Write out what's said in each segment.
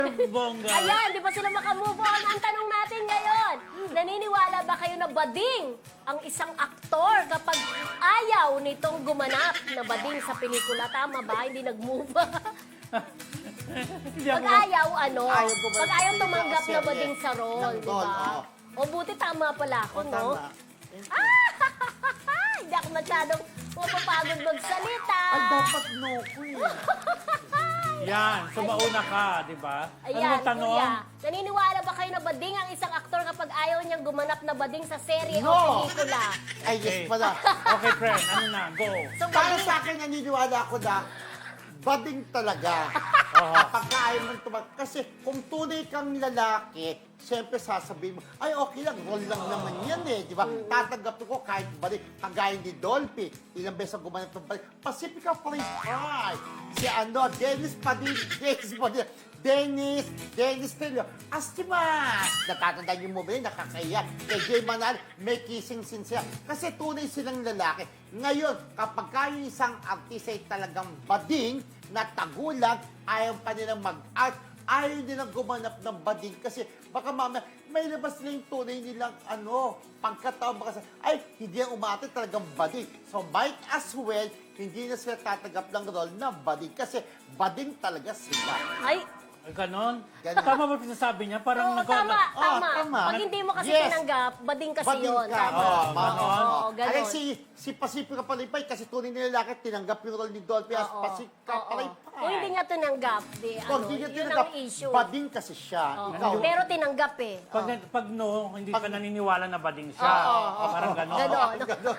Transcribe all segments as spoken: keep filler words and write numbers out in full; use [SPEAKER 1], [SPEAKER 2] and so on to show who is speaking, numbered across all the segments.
[SPEAKER 1] Bongga.
[SPEAKER 2] Ayan, di ba sila makamove on? Ang tanong natin ngayon, naniniwala ba kayo na bading ang isang aktor kapag ayaw nitong gumanap na bading sa pelikula? Tama ba? Hindi nag-move.
[SPEAKER 1] Hindi
[SPEAKER 2] Pag
[SPEAKER 1] ako-
[SPEAKER 2] ayaw, ano?
[SPEAKER 3] Ayaw gumanap
[SPEAKER 2] Pag
[SPEAKER 3] sa
[SPEAKER 2] ayaw
[SPEAKER 3] pelikula
[SPEAKER 2] tumanggap
[SPEAKER 3] o
[SPEAKER 2] na
[SPEAKER 3] serye.
[SPEAKER 2] bading sa role,
[SPEAKER 3] Ng
[SPEAKER 2] di
[SPEAKER 3] role,
[SPEAKER 2] ba?
[SPEAKER 3] oo.
[SPEAKER 2] O buti tama pala ako, no?
[SPEAKER 3] Tama.
[SPEAKER 2] Hindi ako masyadong pumapagod magsalita.
[SPEAKER 3] Ay, dapat no ko eh.
[SPEAKER 1] Yan, so mauna ka, di ba? Ano
[SPEAKER 2] Ayan,
[SPEAKER 1] ang tanong?
[SPEAKER 2] kuya. Naniniwala ba kayo na bading ang isang aktor kapag ayaw niyang gumanap na bading sa serye o
[SPEAKER 3] No!
[SPEAKER 2] pelikula?
[SPEAKER 3] Ay, yes pala.
[SPEAKER 1] Okay, friend, ano na, go.
[SPEAKER 2] So,
[SPEAKER 3] Para
[SPEAKER 2] bading,
[SPEAKER 3] sa akin, naniniwala ako na bading talaga.
[SPEAKER 1] Oo.
[SPEAKER 3] Kapag ayaw mo tumag... Kasi kung tunay kang lalaki, siyempre sasabihin mo, ay okay lang, role lang naman yan eh, di ba? Tatanggapin ko kahit bading. Kagaya ni Dolphy, ilang beses ang gumanap ng bading. Pacifica Police Pride. Si ano, Dennis Padilla, Dennis Padilla, Dennis, Dennis Trillo, Astimas! Natatandaan yung movie, nakakaiyak. Kay Jay Manal, may kissing scene siya. Kasi tunay silang lalaki. Ngayon, kapag kayo isang artist ay talagang bading, na tagulang, ayaw pa nilang mag-art, ayaw nilang gumanap ng bading kasi baka mamaya may labas na yung tunay nilang ano, pagkataon baka sa, ay, hindi ang umate talagang bading. So might as well, hindi na sila tatanggap ng role na bading kasi bading talaga sila.
[SPEAKER 2] ay,
[SPEAKER 1] Ay, ganon?
[SPEAKER 3] Ganon.
[SPEAKER 1] Tama ba sinasabi niya? Parang
[SPEAKER 2] oo,
[SPEAKER 1] nag-
[SPEAKER 2] tama,
[SPEAKER 3] Oh,
[SPEAKER 2] tama.
[SPEAKER 3] tama.
[SPEAKER 2] Pag hindi mo kasi
[SPEAKER 3] Yes.
[SPEAKER 2] tinanggap, bading kasi
[SPEAKER 3] Bading
[SPEAKER 2] yun.
[SPEAKER 3] ka.
[SPEAKER 2] Tama.
[SPEAKER 3] Oh,
[SPEAKER 1] ganon.
[SPEAKER 2] Oo,
[SPEAKER 3] Oo,
[SPEAKER 2] ganon.
[SPEAKER 3] Alay, si, si Pacifica Palipay, kasi tunay na lalaki, tinanggap yung role ni Dolphy as
[SPEAKER 2] Oo,
[SPEAKER 3] Pacifica
[SPEAKER 2] oo.
[SPEAKER 3] Palipay.
[SPEAKER 2] Kung hindi niya tinanggap, di,
[SPEAKER 3] Kung
[SPEAKER 2] ano,
[SPEAKER 3] hindi niya
[SPEAKER 2] yun
[SPEAKER 3] tinanggap,
[SPEAKER 2] ang issue.
[SPEAKER 3] bading kasi siya.
[SPEAKER 2] Oo.
[SPEAKER 3] Ikaw.
[SPEAKER 2] Pero tinanggap eh.
[SPEAKER 1] Pag, pag no, hindi ka
[SPEAKER 3] Pag-
[SPEAKER 1] naniniwala na bading siya.
[SPEAKER 2] Oo, oo,
[SPEAKER 1] Parang
[SPEAKER 2] oo.
[SPEAKER 1] ganon.
[SPEAKER 2] Ganon.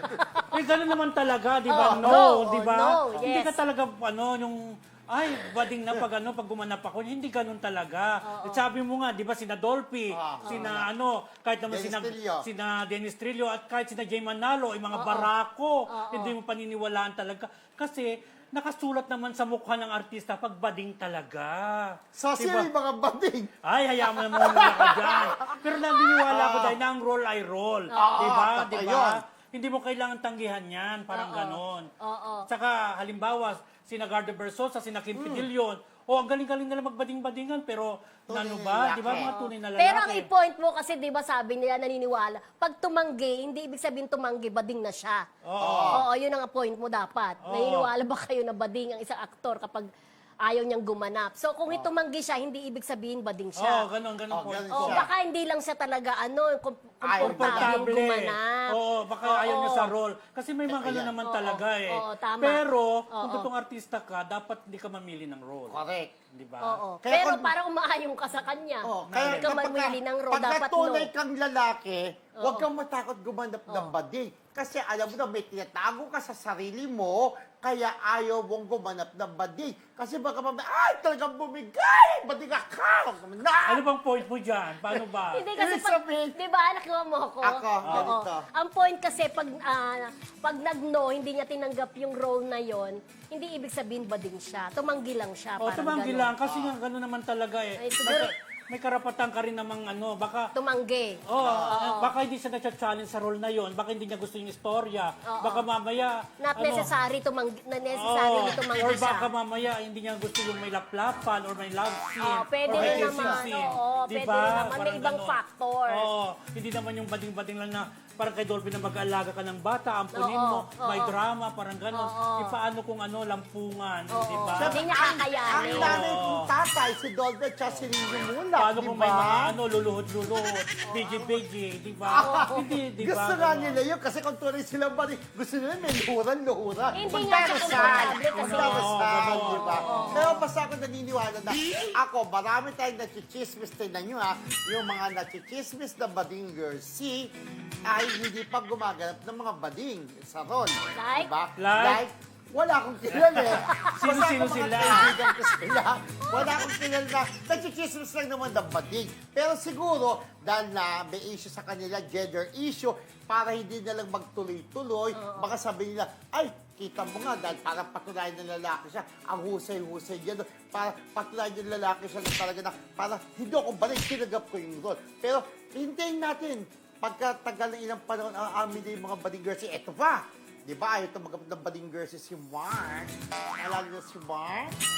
[SPEAKER 1] Eh, ganon naman talaga, di ba?
[SPEAKER 2] Oo,
[SPEAKER 1] no,
[SPEAKER 2] no,
[SPEAKER 1] di ba?
[SPEAKER 2] no,
[SPEAKER 1] Hindi
[SPEAKER 2] yes.
[SPEAKER 1] ka talaga, ano, yung, ay, bading na pag ano, pag gumanap ako, hindi ganon talaga. At sabi mo nga, di ba, sina Dolphy,
[SPEAKER 3] Oo.
[SPEAKER 1] sina ano, kahit naman
[SPEAKER 3] Dennis
[SPEAKER 1] sina,
[SPEAKER 3] Trillo.
[SPEAKER 1] sina Dennis Trillo, at kahit sina Jay Manalo, yung mga barako, hindi mo paniniwalaan talaga. Kasi, nakasulat naman sa mukha ng artista pag bading talaga.
[SPEAKER 3] So,
[SPEAKER 1] Di
[SPEAKER 3] sino
[SPEAKER 1] ba?
[SPEAKER 3] yung mga bading?
[SPEAKER 1] Ay, hayaan mo na muna ako dyan. Pero naniniwala ko dahil na ang roll ay roll.
[SPEAKER 3] Oo,
[SPEAKER 1] Di ba?
[SPEAKER 3] totoo
[SPEAKER 1] Di
[SPEAKER 3] yun.
[SPEAKER 1] ba? Hindi mo kailangan tanggihan yan. Parang
[SPEAKER 2] Oo.
[SPEAKER 1] ganon.
[SPEAKER 2] Oo.
[SPEAKER 1] Saka, halimbawa, sina Gardo Versosa, sina Kim Pidillion, o ang galing-galing nila magbading-badingan, pero
[SPEAKER 3] Tunay
[SPEAKER 1] ano
[SPEAKER 3] na
[SPEAKER 1] ba?
[SPEAKER 3] lalaki.
[SPEAKER 1] Di ba mga tunay na lalaki?
[SPEAKER 2] Pero ang i-point mo kasi, di ba sabi nila, naniniwala, pag tumanggi, hindi ibig sabihin tumanggi, bading na siya.
[SPEAKER 1] Oo.
[SPEAKER 2] Oo, yun ang point mo dapat.
[SPEAKER 1] Oo.
[SPEAKER 2] Naniniwala ba kayo na bading ang isang aktor kapag ayaw niyang gumanap? So kung itumanggi siya, hindi ibig sabihin bading
[SPEAKER 1] Oo,
[SPEAKER 2] siya.
[SPEAKER 1] ganon, ganon
[SPEAKER 3] Oh,
[SPEAKER 1] po.
[SPEAKER 3] ganon
[SPEAKER 2] Oh,
[SPEAKER 3] siya.
[SPEAKER 2] baka hindi lang siya talaga ano, kom-
[SPEAKER 3] Ayaw
[SPEAKER 2] komportableng
[SPEAKER 1] Komportable.
[SPEAKER 2] gumanap.
[SPEAKER 1] Oo, baka
[SPEAKER 2] Oo.
[SPEAKER 1] ayaw niya sa role. Kasi may mga gano'n
[SPEAKER 3] Ayan.
[SPEAKER 1] naman
[SPEAKER 2] Oo,
[SPEAKER 1] talaga eh.
[SPEAKER 2] oo, tama.
[SPEAKER 1] Pero, kung
[SPEAKER 2] Oo.
[SPEAKER 1] totoong artista ka, dapat hindi ka mamili ng role.
[SPEAKER 3] Correct.
[SPEAKER 1] Di ba?
[SPEAKER 2] Oo.
[SPEAKER 3] Kaya
[SPEAKER 2] Pero
[SPEAKER 3] kung-
[SPEAKER 2] parang umaayong ka sa kanya.
[SPEAKER 3] Oh,
[SPEAKER 2] Hindi ka
[SPEAKER 3] kapag
[SPEAKER 2] mamili ng role,
[SPEAKER 3] pag
[SPEAKER 2] dapat no.
[SPEAKER 3] tunay kang lalaki, huwag kang matakot gumanap ng bading. Kasi alam mo na, may tinatago ka sa sarili mo, kaya ayaw mong gumanap ng bading. Kasi baka mamaya, ay, talagang bumigay! Bading ka! Na!
[SPEAKER 1] Ano bang point mo dyan? Paano ba?
[SPEAKER 2] Hindi kasi
[SPEAKER 3] Ibig
[SPEAKER 2] pag,
[SPEAKER 3] sabihin-
[SPEAKER 2] di ba, nakuha mo ako?
[SPEAKER 3] Ako,
[SPEAKER 2] Oo.
[SPEAKER 3] ganito.
[SPEAKER 2] Ang point kasi, pag, ah, pag nag-no, hindi niya tinanggap yung role na yon, hindi ibig sabihin bading siya. Tumanggi lang siya.
[SPEAKER 1] O,
[SPEAKER 2] parang
[SPEAKER 1] tumanggi
[SPEAKER 2] ganun.
[SPEAKER 1] lang. Kasi nga, gano'n naman talaga eh.
[SPEAKER 2] Ay, siguro-
[SPEAKER 1] Baka- may karapatan ka rin namang ano, baka...
[SPEAKER 2] Tumanggi.
[SPEAKER 1] Oh, baka hindi siya na-challenge sa role na yon, baka hindi niya gusto yung istorya,
[SPEAKER 2] Oo.
[SPEAKER 1] baka mamaya
[SPEAKER 2] Not
[SPEAKER 1] ano,
[SPEAKER 2] necessary tumanggi, na necessary
[SPEAKER 1] Oo.
[SPEAKER 2] tumanggi
[SPEAKER 1] Or
[SPEAKER 2] siya.
[SPEAKER 1] baka mamaya hindi niya gusto yung may laplapan or may love scene.
[SPEAKER 2] Oo, pwede
[SPEAKER 1] or may
[SPEAKER 2] rin
[SPEAKER 1] kissing
[SPEAKER 2] naman.
[SPEAKER 1] scene.
[SPEAKER 2] Oo,
[SPEAKER 1] Di
[SPEAKER 2] pwede
[SPEAKER 1] ba?
[SPEAKER 2] rin naman. May
[SPEAKER 1] Parang
[SPEAKER 2] ibang
[SPEAKER 1] ganon.
[SPEAKER 2] factor.
[SPEAKER 1] Oo, hindi naman yung bading-bading lang na parang kay Dolphy na mag-aalaga ka ng bata, ampunin
[SPEAKER 2] Oo,
[SPEAKER 1] mo,
[SPEAKER 2] oo.
[SPEAKER 1] may drama, parang gano'n.
[SPEAKER 2] Oo.
[SPEAKER 1] E paano kung ano, lampungan,
[SPEAKER 2] Oo.
[SPEAKER 1] di ba?
[SPEAKER 2] Hindi niya
[SPEAKER 3] Ang
[SPEAKER 2] kakayanin.
[SPEAKER 3] nanay kong tatay, si Dolphy at si Ringo Mula,
[SPEAKER 1] Paano
[SPEAKER 3] di
[SPEAKER 1] kung may mga
[SPEAKER 3] ba?
[SPEAKER 1] ano, luluhod-luhod, bigi-bigi, di ba? Hindi, di ba?
[SPEAKER 3] Gusto nga
[SPEAKER 1] Ganon.
[SPEAKER 3] nila yun kasi kung tunay silang bading, gusto nila may luhuran-luhuran.
[SPEAKER 2] Hindi nga siya komportable kasi-
[SPEAKER 3] Magdarasal,
[SPEAKER 1] Oo,
[SPEAKER 3] di ba?
[SPEAKER 2] oo.
[SPEAKER 3] Pero basta ako naniniwala na, ako, marami tayong nachichismis, tingnan nyo ha, yung mga nachichismis na bading girls, si ay hindi pa gumaganap ng mga bading sa role.
[SPEAKER 2] Like?
[SPEAKER 3] Diba?
[SPEAKER 1] Like?
[SPEAKER 3] Wala akong kilala eh.
[SPEAKER 1] Sino-
[SPEAKER 3] Basta
[SPEAKER 1] sino
[SPEAKER 3] ako mga
[SPEAKER 1] sila?
[SPEAKER 3] kaibigan ko sila. Wala akong kilala na nachichismis lang naman ng bading. Pero siguro, dahil na may issue sa kanila, gender issue, para hindi na lang magtuloy-tuloy, baka sabihin nila, ay, kita mo nga, dahil parang patunayan ng lalaki siya, ang husay-husay niya doon, para patunayan ng lalaki siya na talaga na, para hindi ako balik, tinagap ko yung role. Pero, hintayin natin, pagkatagal ng ilang panahon, ang amin na yung mga bading girls, eto pa, di ba, ayaw tumagamit ng bading girls si Mark. Alala niyo si Mark?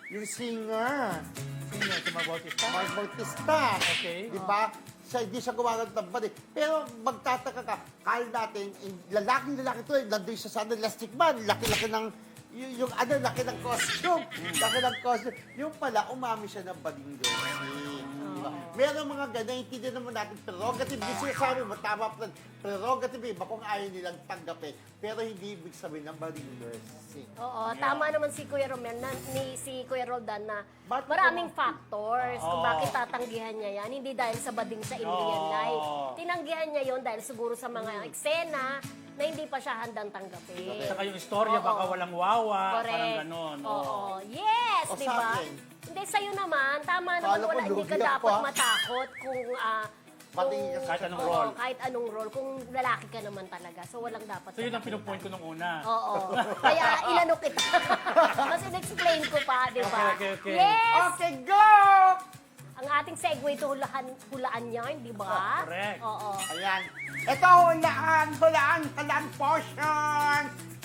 [SPEAKER 3] yung singer,
[SPEAKER 1] Sino? Si Mark Bautista?
[SPEAKER 3] Mark Bautista.
[SPEAKER 1] Okay.
[SPEAKER 3] Di ba? Siya, hindi siya gumagano ng balik. Pero magtataka ka, kaya natin, yung lalaking-lalaki to, eh, nandun siya sa ano, Elastic Man, laki-laki ng, yung, yung ano, laki ng costume. Laki ng costume. Yung pala, umami siya ng bading Lucy. Diba? Meron mga ganyan, hindi naman natin prerogative. Yung sinasabi mo, tama pa rin. Prerogative, iba kung ayaw nilang tanggapin. Pero hindi ibig sabihin ng bading Lucy.
[SPEAKER 2] Oo, tama naman si Kuya Romel, na, ni si Kuya Roldan na
[SPEAKER 3] Ba't
[SPEAKER 2] maraming
[SPEAKER 3] naman-
[SPEAKER 2] factors kung
[SPEAKER 1] Oo.
[SPEAKER 2] bakit tatanggihan niya yan. Hindi dahil sa bading sa in real
[SPEAKER 1] Oo.
[SPEAKER 2] life. Tinanggihan niya yon dahil siguro sa mga eksena na hindi pa siya handang tanggapin.
[SPEAKER 1] Saka yung istorya,
[SPEAKER 2] Oo.
[SPEAKER 1] baka walang wawa,
[SPEAKER 2] Correct.
[SPEAKER 1] parang ganon.
[SPEAKER 2] Oo. Yes,
[SPEAKER 3] O,
[SPEAKER 2] di
[SPEAKER 3] sa
[SPEAKER 2] ba?
[SPEAKER 3] akin?
[SPEAKER 2] Hindi, sa'yo naman. Tama naman,
[SPEAKER 3] Kala ko
[SPEAKER 2] wala, hindi ka
[SPEAKER 3] lugi ako,
[SPEAKER 2] dapat
[SPEAKER 3] ah.
[SPEAKER 2] matakot kung... ah,
[SPEAKER 3] Bading
[SPEAKER 2] kung-
[SPEAKER 3] ka-
[SPEAKER 1] Kahit anong
[SPEAKER 2] oo,
[SPEAKER 1] role.
[SPEAKER 2] kahit anong role. Kung lalaki ka naman talaga. So, walang dapat
[SPEAKER 1] So yun ang
[SPEAKER 2] sa
[SPEAKER 1] pinupoint ko nung una.
[SPEAKER 2] Oo. Kaya inano kita. Mas in-explain ko pa, di ba?
[SPEAKER 1] Okay, okay, okay.
[SPEAKER 2] Yes!
[SPEAKER 3] Okay, go!
[SPEAKER 2] Ang ating segue to hulaan, hulaan yarn, di ba?
[SPEAKER 1] Correct.
[SPEAKER 2] Oo.
[SPEAKER 3] Ayan. Ito, hulaan, hulaan, hulaan portion.